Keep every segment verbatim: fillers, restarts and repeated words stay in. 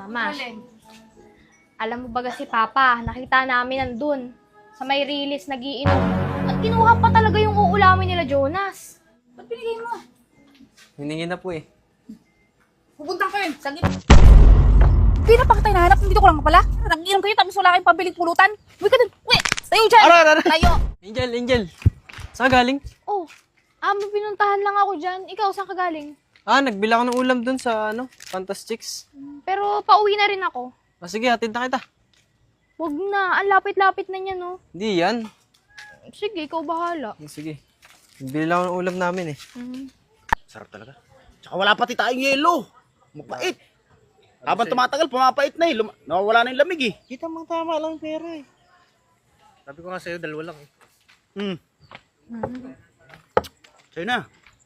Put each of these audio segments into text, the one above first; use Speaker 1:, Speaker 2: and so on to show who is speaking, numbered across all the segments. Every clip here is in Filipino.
Speaker 1: Mama, alam mo ba si Papa, nakita namin nandun sa may release nagiinom. At kinuha pa talaga yung uulamin nila, Jonas.
Speaker 2: Ba't binigay mo?
Speaker 3: Hiningi na po eh.
Speaker 2: Pupunta ka yun. Saglit. Hindi na pa kita hinahanap. Dito ko lang pala. Nag-inom kayo tapos wala kayong pabiling pulutan. Uwi ka dun. Uwi. Tayo dyan.
Speaker 3: Ara, ara, ara.
Speaker 2: Tayo.
Speaker 3: Angel, Angel. Saan ka galing?
Speaker 1: Oh, ah, may pinuntahan lang ako dyan. Ikaw, saan ka galing?
Speaker 3: Ah, nagbila ko ng ulam dun sa ano, Fantastics.
Speaker 1: Pero pauwi na rin ako.
Speaker 3: Ah, sige, hatid na kita.
Speaker 1: Wag na, ang lapit-lapit na niya, no?
Speaker 3: Hindi yan.
Speaker 1: Sige, ikaw bahala.
Speaker 3: Eh, Sige. Nagbili lang ako ng ulam namin eh.
Speaker 1: Mm.
Speaker 4: Sarap talaga. Tsaka wala pati tayong yelo. Mapait. Habang tumatagal, pumapait na eh. Lum- nawawala na yung lamig eh.
Speaker 3: Kita mo tama lang pera eh. Sabi ko nga sa'yo, dalawa lang eh.
Speaker 4: Hmm.
Speaker 1: Mm.
Speaker 4: Sa'yo na.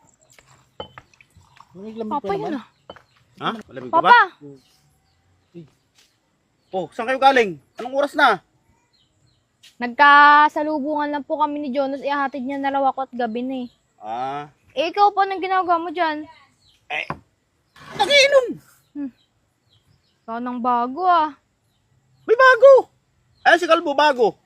Speaker 1: Papa yun ah.
Speaker 4: Ha? Malamig ka ba?
Speaker 1: Papa!
Speaker 4: Oh, saan kayo galing? Anong oras na?
Speaker 1: Nagkasalubungan lang po kami ni Jonas. Ihahatid niya na raw ako at gabi na eh.
Speaker 4: Ah.
Speaker 1: Eh, ikaw po, anong ginagawa mo dyan?
Speaker 4: Eh. Nagiinom.
Speaker 1: Ikaw nang bago ah.
Speaker 4: May bago. Ayun si Kalbo, bago.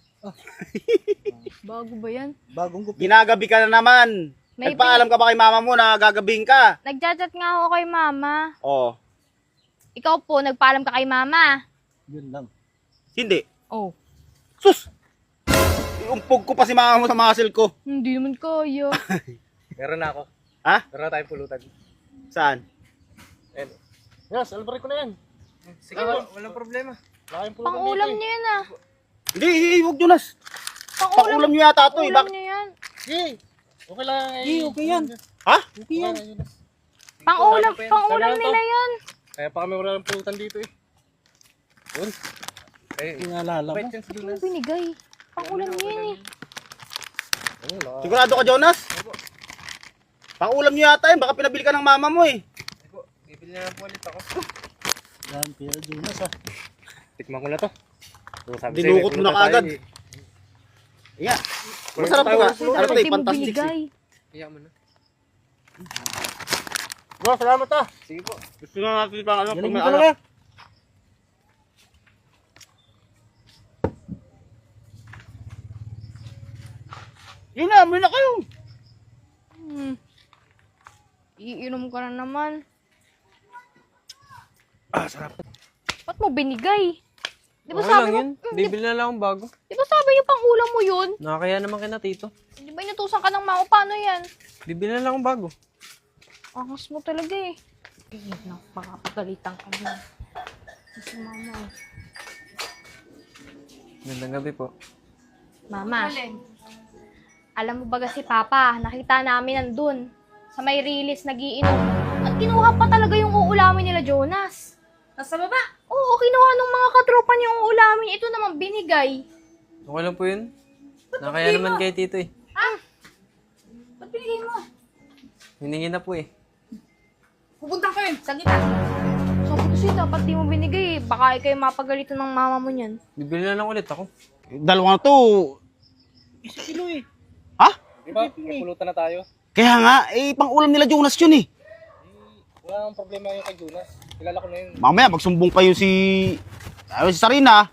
Speaker 1: Bago ba yan?
Speaker 3: Bagong gupi.
Speaker 4: Ginagabi ka na naman.
Speaker 1: May
Speaker 4: Nagpaalam ka ba kay mama mo na gagabihin ka?
Speaker 1: Nagchat-chat nga ako kay mama.
Speaker 4: Oh.
Speaker 1: Ikaw po, nagpaalam ka kay mama.
Speaker 3: Yun lang.
Speaker 4: Hindi.
Speaker 1: Oh,
Speaker 4: Sus! Iumpog ko pa si mama mo sa muscle ko.
Speaker 1: hindi naman kaya.
Speaker 3: Meron na ako.
Speaker 4: Ha?
Speaker 3: Meron na tayong pulutan.
Speaker 4: Saan?
Speaker 3: Ayan. Yes, alabari ko na yan. Sige, wala, walang problema. Wala kayong pulutan
Speaker 1: Pang-ulam
Speaker 3: dito
Speaker 1: niyo yan ah.
Speaker 4: Hindi, eh, huwag Jonas. Pang-ulam nyo yata ito eh.
Speaker 1: Pang-ulam
Speaker 4: Bakit?
Speaker 1: niyo yan.
Speaker 3: eh. Okay lang.
Speaker 4: Hindi, okay yan. Ha?
Speaker 3: Okay yan.
Speaker 1: Pang-ulam,
Speaker 3: Sabi
Speaker 1: pang-ulam
Speaker 3: lang to.
Speaker 1: nila yan.
Speaker 3: Kaya pa kami wala ng pulutan dito eh. Yun. Eh,
Speaker 4: Pinalala
Speaker 3: bait yan si
Speaker 1: Ano
Speaker 3: Jonas.
Speaker 1: binigay? Pang-ulam niyo yan eh.
Speaker 3: Ano, wala.
Speaker 4: Sigurado ka, Jonas? Pang-ulam nyo yata yun. Baka pinabili ka ng mama mo eh.
Speaker 3: Ako, bibili na lang po ulit ako.
Speaker 4: Yan, pero Jonas ah.
Speaker 3: Tikman ko na to. So, sabi
Speaker 4: Dinukot
Speaker 3: sa'yo,
Speaker 4: mo na
Speaker 3: may pulutan
Speaker 4: kaagad.
Speaker 3: tayo eh.
Speaker 4: Yeah.
Speaker 3: Wala
Speaker 4: Masarap
Speaker 3: tayo,
Speaker 4: to nga.
Speaker 3: wala tayo.
Speaker 4: Ano to eh,
Speaker 1: Pati mo
Speaker 4: fantastic eh.
Speaker 1: binigay.
Speaker 3: Iyak mo na.
Speaker 4: Bro, salamat ah.
Speaker 3: Sige po.
Speaker 4: Gusto na natin pang ano.
Speaker 3: Galing
Speaker 4: pag
Speaker 3: mo
Speaker 4: may
Speaker 3: talaga.
Speaker 4: anak. Yun na, may na kayo.
Speaker 1: Hmm. Iinom ka na naman.
Speaker 4: Ah, sarap.
Speaker 1: Ba't mo binigay? Di ba
Speaker 3: Okay
Speaker 1: sabi
Speaker 3: lang
Speaker 1: mo,
Speaker 3: yun.
Speaker 1: Hmm, di,
Speaker 3: Bibili na lang akong bago.
Speaker 1: di ba sabi niyo pang ulam mo yun?
Speaker 3: Nakakaya naman kina tito.
Speaker 1: Di ba inutusan ka ng mama? Paano yan?
Speaker 3: Bibili na lang akong bago.
Speaker 1: Angas mo talaga eh. Eh, napakapagalitan ka mo. Si mama eh.
Speaker 3: Gandang gabi po.
Speaker 1: Mama, alam mo ba si Papa, nakita namin nandun sa may release nagiinom. At kinuha pa talaga yung uulamin nila, Jonas.
Speaker 2: Nasa baba.
Speaker 1: Oo, kinuha ng mga katropa niya yung uulamin. Ito naman binigay.
Speaker 3: Okay lang po yun. Nakakaya naman kay tito eh.
Speaker 2: Ba't binigay mo?
Speaker 3: Hiningi na po eh.
Speaker 2: Pupunta ka yun. Saglit ah.
Speaker 1: Sabi ko siya, dapat di mo binigay. Baka kayo mapagalitan ng mama mo niyan.
Speaker 3: Bibili na lang ulit ako.
Speaker 4: Dalawa na to. Isa kilo eh. Ha?
Speaker 3: Di ba? May pulutan na tayo.
Speaker 4: Kaya nga, eh, pang-ulam nila Jonas yun eh.
Speaker 3: Wala nang problema yung kay Jonas. Kilala ko na yun.
Speaker 4: Mamaya, magsumbong pa yun si... Ayun, si Sarina.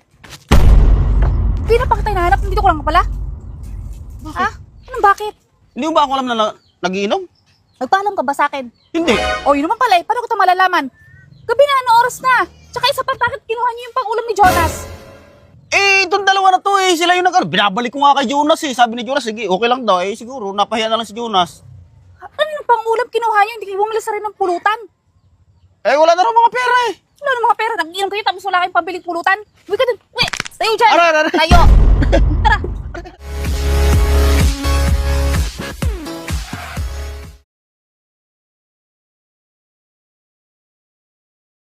Speaker 2: Hindi na pa kita hinahanap. Dito ko lang pala. Bakit? Ha? Anong bakit?
Speaker 4: Hindi mo ba ako alam na, na nagiinom?
Speaker 2: Nagpaalam ka ba sa akin?
Speaker 4: Hindi.
Speaker 2: O yun naman pala eh. Paano ko ito malalaman? Gabi na, ano oras na? Tsaka isa pa, bakit kinuha niyo yung pang-ulam ni Jonas?
Speaker 4: Eh, itong dalawa na to eh. Sila yung nag... Binabalik ko nga kay Jonas eh. Sabi ni Jonas, sige, okay lang daw eh. Siguro, napahiya na lang si Jonas.
Speaker 2: Ano yung pang-ulam kinuha niyo? Hindi kayo bumili sa rin ng pulutan.
Speaker 4: Eh, wala na raw mga pera eh.
Speaker 2: Wala na mga pera. Nag-inom kayo tapos wala kayong pabiling pulutan. Uwi ka dun. Uwi. Tayo dyan.
Speaker 4: Ara, ara, ara.
Speaker 2: Tayo.